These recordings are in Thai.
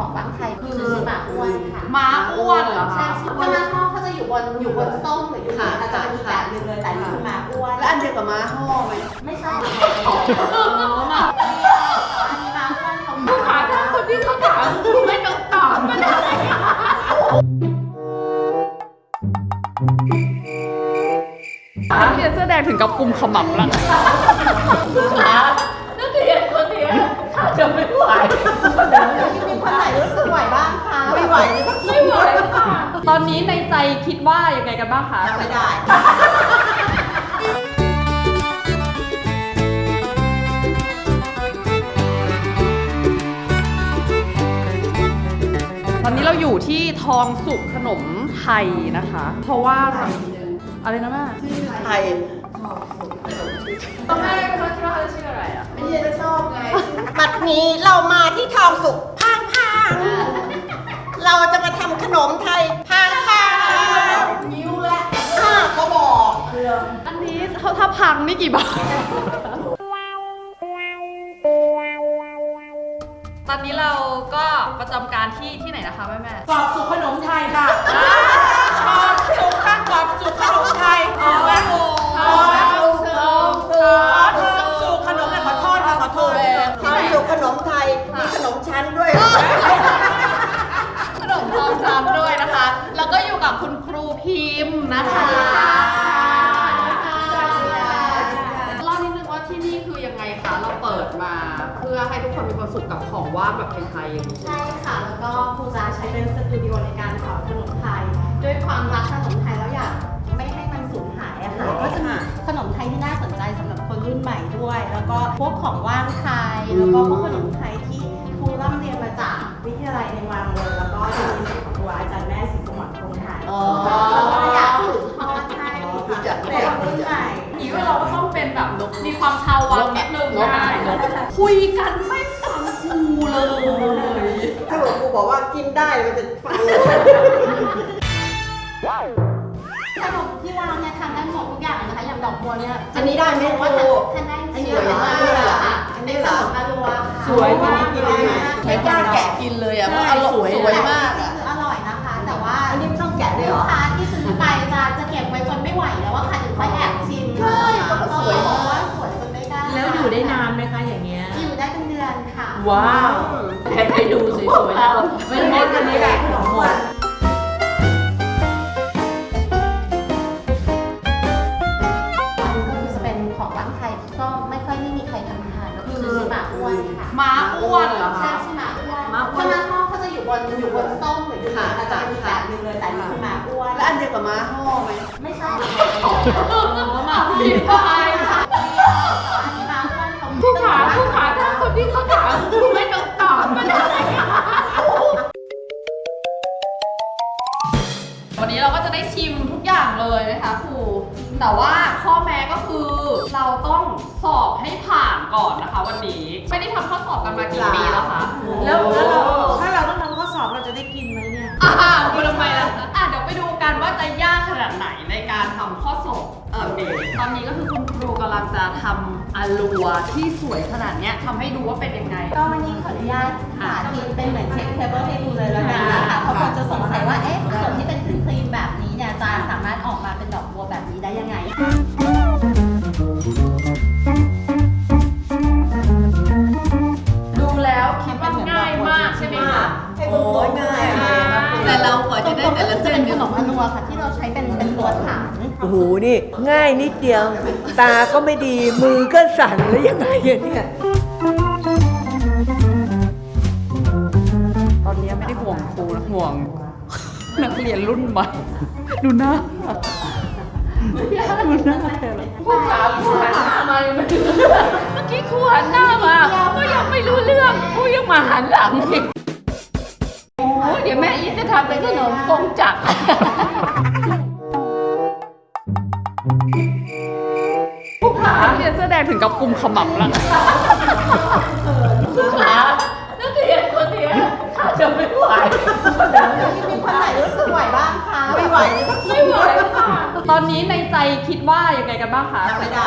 บางไทยคือหมาอ้วนค่ะม้าอ้วนเหรอคะใช่ถ้าม้าทอดเขาจะอยู่บนส้มหรืออยู่บนอาจจะเป็นอีกแบบนึงเลยแต่นี่คือหมาอ้วนแล้วอันเดียวกับม้าห่อไหมไม่ใช่อันนี้หมาอ้วนเขาหมาถามคนที่เขาถามไม่ต้องตอบก็ได้นักเรียนเสื้อแดงถึงกับกุมขมับแล้วนักเรียนคนนี้ถ้าจะไม่ไหวมีคนไหนรู้สึกไหวบ้างคะไม่ไหวไม่ไหวค่ะตอนนี้ในใจคิดว่ายังไงกันบ้างคะไม่ได้ตอนนี้เราอยู่ที่ทองสุกขนมไทยนะคะ เพราะว่าอะไรนะแม่ไทยตอนแรกเขาคิดว่าเขาจะชื่ออะไรอ่ะไม่ใช่จะชอบไงบัดนี้เรามาที่ทองสุกพังเราจะมาทำขนมไทยพังนิ้วและเขาบอกอันนี้ถ้าพังนี่กี่บาท ตอนนี้เราก็ประจำการที่ไหนนะคะแม่กรอบสุกขนมไทยค่ะชอบสุกข้างกรอบสุกขนมไทยทองสุกขนมขอโทษค่ะขอโทษทองสุกขนมไทยมีขนมชั้นด้วยขนมทองจามด้วยนะคะ แล้วก็อยู่กับคุณครูพิมพ์นะคะเล่านิดนึงว่าที่นี่คือยังไงคะ เราเปิดมาเพื่อให้ทุกคนมีความสุขกับของว่างแบบไทยๆอย่างนี้ใช่ค่ะแล้วก็ครูจะใช้เป็นสตูดิโอในการสอนขนมไทยด้วยความรักขนมไทยแล้วอยากไม่ให้มันสูญหายอะค่ะก็จะมีขนมไทยที่น่าสนใจสำหรับคนรุ่นใหม่ด้วย แล้วก็พวกของว่างไทยแล้วก็พวกขนมไทยที่ครูร่ำเรียนมาจากวิทยาลัยในวังเลยแล้วก็จะมีสิทธิ์ของครูอาจารย์แม่ศรีสมรพงษ์ไทยแล้วก็อยากสืบทอดให้คนรุ่นใหม่อีกว่าเราก็ต้องเป็นแบบมีความชาววังนิดนึงนะคุยกันไม่ฟังครูเลยถ้าเกิดครูบอกว่ากินได้มันจะฟังขนมที่วางเนี่ยทำได้หมดทุกอย่างเลยนะคะอย่างดอกบัวเนี่ยอันนี้ได้ไหมครูทานได้อันนี้สวยมากเลยอะอันนี้เหรอขนมอรัวค่ะสวยอันนี้กินได้ไหมไม่กล้าแกะกินเลยอ่ะเพราะอร่อยสวยมากอ่ะอร่อยนะคะ แต่ว่าอันนี้ไม่ต้องแกะด้วยเหรลูอกค้าที่ซื้อไปจะเก็บไว้จนไม่ไหวแล้วว่าค่ะถึงค่อยแอบชิมใช่สวยเพราะว่าสวยจนไม่ได้แล้วอยู่ได้นานไหมคะอย่างเงี้ยอยู่ได้เป็นเดือนค่ะว้าวไปดูสวยๆแล้วไม่หมดอันนี้แหละหมดอันนี้ก็คือจะเป็นของร้านไทยที่ก็ไม่ค่อยมีใครทำทานก็คือหมาอ้วนค่ะม้าอ้วนเหรอใช่คะใช่หมาอ้วนถ้าม้าทอดเขาจะอยู่บนส้มหรืออยู่บนอาจจะเป็นอีกแบบนึงเลยแต่นี่คือหมาอ้วนแล้วอันเดียวกับม้าห่อไหมไม่ใช่มาผิดไปค่ะอันนี้หมาอ้วนเขาผู้ขาถ้าคนที่เขาถามไม่ต้องตอบก็ได้วันนี้เราก็จะได้ชิมทุกอย่างเลยนะคะครูแต่ว่าข้อแม้ก็คือเราต้องสอบให้ผ่านก่อนนะคะ วันนี้ไม่ได้ทำข้อสอบกันมากี่ปีแล้วคะแล้วเราถ้าเราต้องทำข้อสอบเราจะได้กินไหมเนี่ยคุณทำไมล่ะเดี๋ยวไปดูกันว่าจะยากขนาดไหนในการทำข้อสอบตอนนี้ก็คือคุณครูกำลังจะทำอาลัวที่สวยขนาดเนี้ยทำให้ดูว่าเป็นยังไงก็วันนี้ขออนุญาตสาธิตเป็นเหมือนเช็คเทเบิลให้ดูเลยแล้วกันนะคะเพราะคนจะสงสัยว่าเอ๊ะส่วนที่เป็นครีมแบบนี้เนี่ยจะสามารถออกมาเป็นดอกบัวแบบนี้ได้ยังไงดูแล้วคิดว่าง่ายมากใช่ไหมคะโอ้ยง่ายแต่เรากว่าจะได้แต่ละเส้นเป็นขนมอนัวค่ะที่เราใช้เป็นตัวฐานโอ้โห นี่ง่ายนิดเดียว ตาก็ไม่ดี มือก็สั่นแล้วยังไงอะเนี่ยตอนนี้ไม่ได้ห่วงครูนะห่วงนักเรียนรุ่นใหม่ดูหน้าผู้ขามาเมื่อกี้ครูหันหน้ามาก็ยังไม่รู้เรื่องครูยังมาหันหลังอีกโอ้เดี๋ยวแม่อีทจะทำเป็นขนมกงจักรผู้ขาเรียนเสื้อแดงถึงกับกุมขมับแล้วผู้ขานักเรียนคนนี้ถ้าจะไม่ไหวมีคนไหนรู้สึกไหวบ้างคะไม่ไหวไม่ไหวค่ะตอนนี้ในใจคิดว่ายังไงกันบ้างคะไม่ได้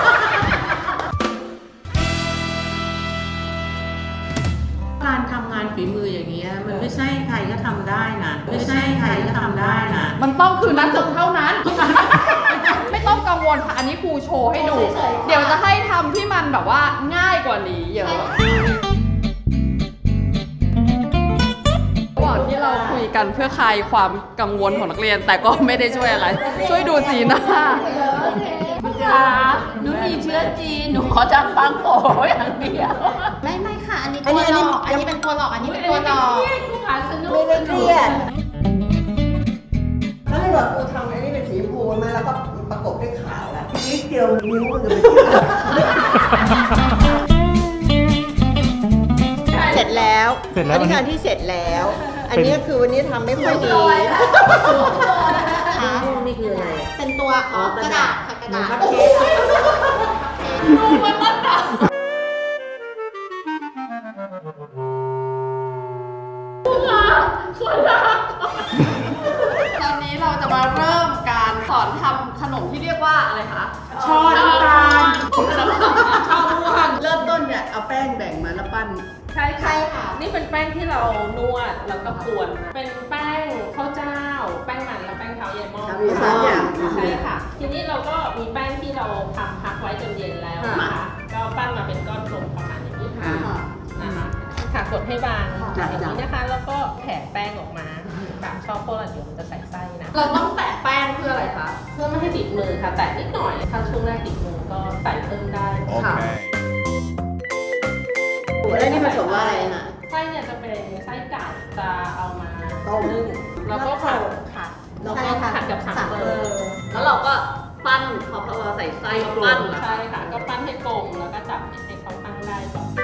การทำงานฝีมืออย่างเงี้ยมันไม่ใช่ใครก็ทำได้นะไม่ใช่ใครก็ทำได้นะมันต้องคือนักศึกเท่านั้น ไม่ต้องกังวลค่ะ อันนี้ครูโชว์ให้ดู เดี๋ยวจะให้ทำที่มันแบบว่าง่ายกว่านี้เยอะระหว่างที่เราคุยกันเพื่อคลายความกังวลของนักเรียน แต่ก็ไม่ได้ช่วยอะไร ช่วยดูสีหน้าค่ะหนูมีเชื้อจีน หนูขอจำฟังโผอย่างเดียวไม่ค่ะ อันนี้ตัวหลอกอันนี้เป็นตัวหลอกอันนี้เป็นตัวหลอกลูกค้าสนุกไม่ได้เครียดถ้าให้แบบกูทำไอ้นี่เป็นสีชมพูมาแล้วก็ประกบด้วยขาวแล้วนิดเดียวนิ้วมันจะไปเสร็จแล้วเสร็จแล้วอันนี้คืออันที่เสร็จแล้ว อันนี้คือวันนี้ทำไม่ค่อยดีค่ะนี่คืออะไรเป็นตัวกระดาษค่ะกระดาษคัพเค้กตอนนี้เราจะมาเริ่มการสอนทำขนมที่เรียกว่าอะไรคะช้อนน้ำตาลข้าวม่วงเริ่มต้นเนี่ยเอาแป้งแบ่งมาแล้วปั้นใช่ใช่ค่ะนี่เป็นแป้งที่เรานวดแล้วก็กวนนะเป็นแป้งข้าวเจ้า แป้งมันและแป้งเท้าเยายม่อมสามอย่างใช่ค่ะ ทีนี้เราก็มีแป้งที่เราทำพักไว้จนเย็นแล้วนะคะ ก็ปั้นมาเป็นก้อนกลมประมาณอย่างนี้ค่ะนะคะค่ะกดให้บางอย่างนี้นะคะ แล้วก็แผ่แป้งออกมาค่ะชอบโคลาเดี๋ยวมันจะใส่ไส้นะเราต้องแตะแป้งเพื่ออะไรคะเพื่อไม่ให้ติดมือค่ะ แต่นิดหน่อย ถ้าช่วงแรกติดมือก็ใส่เพิ่มได้ค่ะแล้วนี่ผสมว่าอะไรน่ะไส้เนี่ยจะเป็นไส้ไก่จะเอามาต้มนึ่งแล้วก็ผัดค่ะแล้วก็ผัดกับสังเบอร์แล้วเราก็ปั้นพอเราใส่ไส้ก็ปั้นเหรอใช่ค่ะ ก็ปั้นให้กลมแล้วก็จับให้เขาตั้งได้ก่อน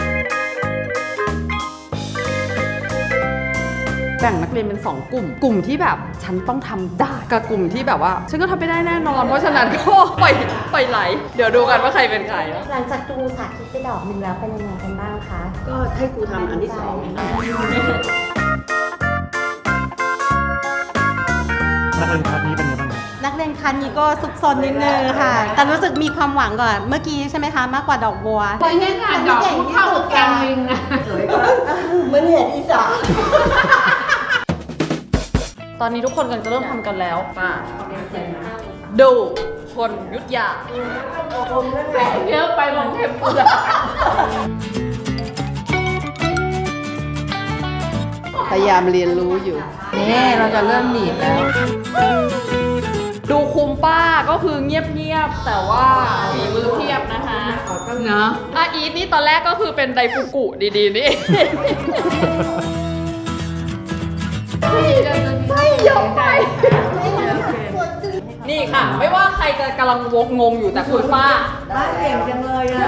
แบ่งนักเรียนเป็น 2 กลุ่ม กลุ่มที่แบบฉันต้องทำได้กับกลุ่มที่แบบว่าฉันก็ทำไม่ได้แน่นอน เพราะฉะนั้นก็ปล่อยไหล เดี๋ยวดูกันว่าใครเป็นใครนะหลังจากดูสาธิตไปดอกหนึ่งแล้วเป็นยังไงกันบ้างคะก็ให้ครูทำอันที่สองนักเรียนคลาสนี้เป็นยังไงบ้างครับนักเรียนคันนี้ก็ซุกซนนิดนึงค่ะ แต่รู้สึกมีความหวังก่อนเมื่อกี้ใช่ไหมคะ มากกว่าดอกบัวไปเล่นงานดอกเข้ากับแกงลิงนะเหมือนเห็ดอีสานตอนนี้ทุกคนกำลังจะเริ่มทำกันแล้วป่ะดูคนยุทธยาเยอะไปมองเทมปุระพยายามเรียนรู้อยู่ นี่เราจะเริ่มหนีบแล้วดูคุมป้าก็คือเงียบๆแต่ว่าฝีมือเพียบนะคะเนาะอาอีทนี่ตอนแรกก็คือเป็นไดฟุกุดีๆนี่ ไม่ยอมไป นี่ค่ะ ไม่ว่าใครจะกำลังวกงงอยู่แต่คุณป้าบ้านเก่งจังเลยอ่ะ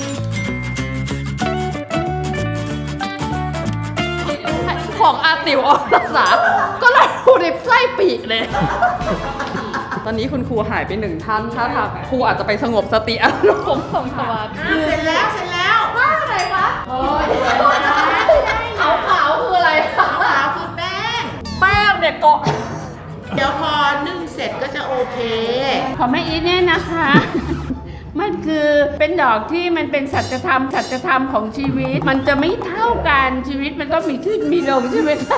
ของอาติวอรสาก็เลยดูในไส้ปีกเลย ตอนนี้คุณครูหายไปหนึ่งท่านถ้าทางครูอาจจะไปสงบสติอารมณ์ของสมาธิเสร็จแล้ว เสร็จแล้วขาวๆคืออะไรคะขาวคือแป้งแป้งเนี่ยเกาะเดี๋ยวพอนึ่งเสร็จก็จะโอเคของแม่อีทเนี่ยนะคะ มันคือเป็นดอกที่มันเป็นสัจธรรมของชีวิต มันจะไม่เท่ากันชีวิตมันก็มีขึ้นมีลงใช่ไหมคะ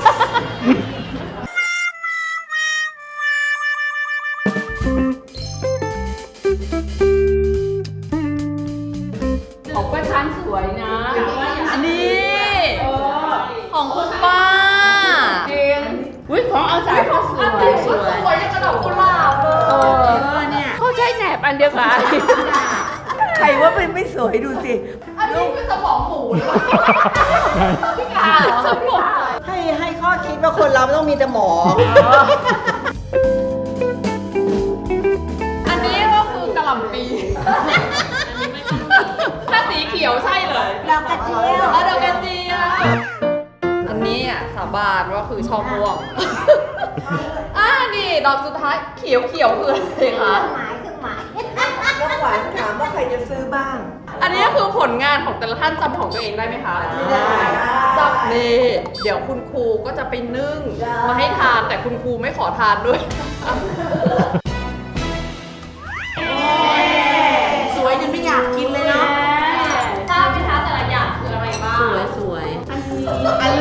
ของป้าชันสวยนะอันนี้ของคุณป้าจริงอุ้ยของเอาสายเขาสวยสวยอย่างกระดอกกุหลาบเลยเนี่ยเขาใช้แหนบอันเดียวกันใครว่าเป็นไม่สวยดูสิอันนี้คือสมองหมูหรือเปล่าพี่กาสมองให้ข้อคิดว่าคนเราไม่ต้องมีแต่หมออันนี้ก็คือกะหล่ำปีถ้าสีเขียวใช่เลยดอกกระเจียวแล้วดอกกระเจียวอันนี้อ่ะสาบานว่าคือช่อม่วงนี่ดอกสุดท้ายเขียวคืออะไรคะหมายคือหมายน้องหวานถามว่าใครจะซื้อบ้างอันนี้คือผลงานของแต่ละท่านจำของตัวเองได้ไหมคะได้จำนี่เดี๋ยวคุณครูก็จะไปนึ่งมาให้ทานแต่คุณครูไม่ขอทานด้วยสวยจนไม่อยากกินเลยเนาะทราบไหมคะแต่ละอย่างคืออะไรบ้างสวยอัน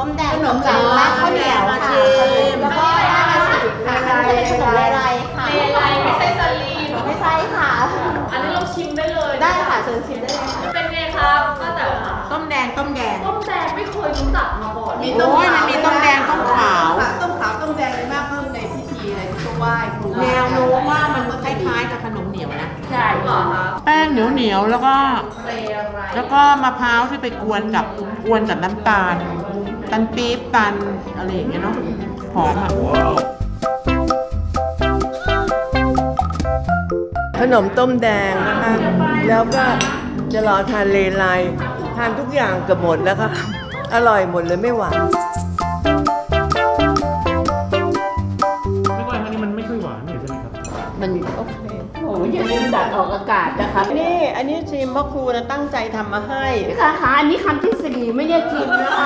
มแดงขนมจีนและข้าวเหนียวค่ะแล้วก็ราดอาชีพค่ะอันนี้เป็นขนมเลไลค่ะเลไลไม่ใช่สลีมไม่ใช่ค่ะอันนี้เราชิมได้เลยได้ค่ะเชิญชิมได้เลยค่ะเป็นไงครับป้าแต๋วคะต้มแดงต้มแดงต้มแดงไม่เคยรู้จักมาก่อนโอ้ยมันมีต้มแดงต้มขาวต้มขาวต้มแดงเลยมากเพิ่มในพิธีอะไรที่ต้องไหว้ครูแนวโน้มว่ามันคล้ายๆกับขนมเหนียวนะใช่เหรอคะแป้งเหนียวๆแล้วก็เปรย์อะไรแล้วก็มะพร้าวที่ไปกวนกับน้ำตาลปี๊บตันอะไรอย่างเงี้ยเนาะหอมอ่ะขนมต้มแดงนะคะ แล้วก็จะรอทานเลไลทานทุกอย่างเกือบหมดแล้วค่ะ อร่อยหมดเลยไม่หวานไม่ว่าอันนี้มันไม่ค่อยหวานนี่ใช่ไหมครับมันโอเคโอ้ยอย่าลืมดัดออกอากาศนะคะนี่อันนี้ชิมเพราะครูนะตั้งใจทำมาให้ค่ะค่ะอันนี้คำที่สี่ไม่ได้ชิมนะคะ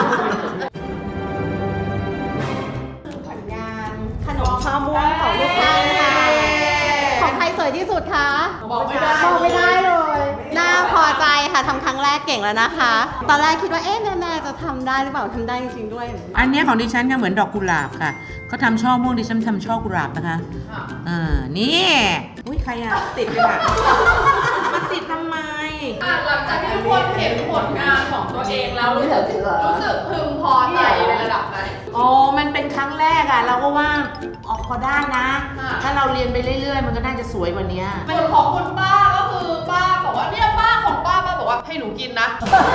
ผลงานขนมข้าวม่วงของลูกท่านค่ะ ของใครสวยที่สุดคะบอกไม่ได้บอกไม่ได้เลย น่าพอใจค่ะทำครั้งแรกเก่งแล้วนะคะ ตอนแรกคิดว่าแม่จะทำได้หรือเปล่าทำได้จริงๆด้วยอันเนี้ยของดิฉันก็เหมือนดอกกุหลาบค่ะเขาทำช่อม่วงดิฉันทำช่อกุหลาบนะคะนี่อุ้ยใครอ่ะติดเลยค่ะมันติดทำไมหลังจากที่ทุกคนเห็นผลงานของตัวเองแล้วรู้สึกพึงพอใจในระดับไหนอ๋อ มันเป็นครั้งแรกอะเราก็ว่าออกพอได้นะค่ะถ้าเราเรียนไปเรื่อยๆ มันก็น่าจะสวยกว่านี้ส่วนของคุณป้าก็คือป้าบอกว่าเนี่ยป้าของป้าบอกว่าให้หนูกินนะ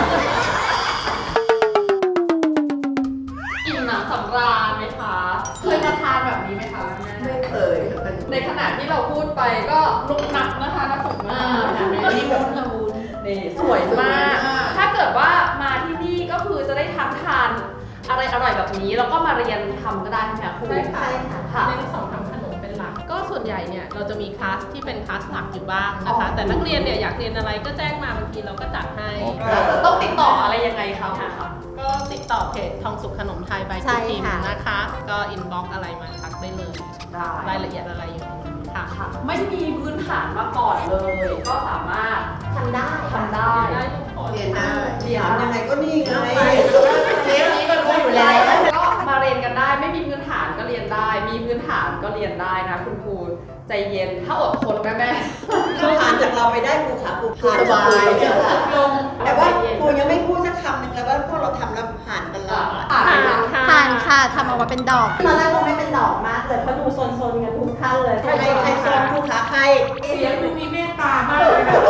อิ่มหนำสำราญไหมคะ เคยมาทานแบบนี้ไหมคะแม่ไม่เคยในขณะที่เราพูดไปก็ลุกนักนะคะนักฝึกมากนี่วุ้นวุ้นนี่สวยมาก ถ้าเกิดว่ามาที่นี่ก็คือจะได้ทั้งทานอะไรอร่อยแบบนี้แล้วก็มาเรียนทำก็ได้ใช่ไหมคะครูใช่ค่ะค่ะเน้นสอนทำขนมเป็นหลัก ก็ส่วนใหญ่เนี่ยเราจะมีคลาสที่เป็นคลาสหลักอยู่บ้างนะคะ แต่นักเรียนเนี่ยอยากเรียนอะไรก็แจ้งมาบางทีเราก็จัดให้ต้องติดต่ออะไรยังไงคะครูคะก็ติดต่อเพจทองสุขขนมไทยใบใช่คุทิมค่ะนะคะ ก็อินบ็อกอะไรมาทักได้เลยได้รายละเอียดอะไรอยู่ในนั้นค่ะค่ะ ไม่มีพื้นฐานมาก่อนเลย ก็สามารถทำได้ทำได้ได้ทุกคนเรียนได้ถามยังไงก็นี่ไงเทปนี้ก็รู้อยู่แล้วก็มาเรียนกันได้ ไม่มีพื้นฐานก็เรียนได้ มีพื้นฐานก็เรียนได้นะคุณครูใจเย็น ถ้าอดทนแม่ถ้าผ่านจากเราไปได้ครูขาครูผ่านสบายๆลงแต่ว่าครูยังไม่พูดสักคำหนึ่งเลยว่าพวกเราทำแล้วผ่านกันแล้วผ่านผ่านค่ะผ่านค่ะทำออกมาเป็นดอก ตอนแรกคงไม่เป็นดอกมากเลยเพราะดูโซนๆกันทุกท่านเลยใครโซนครูขาใครเสียงดูมีเมตตามากเลยนะ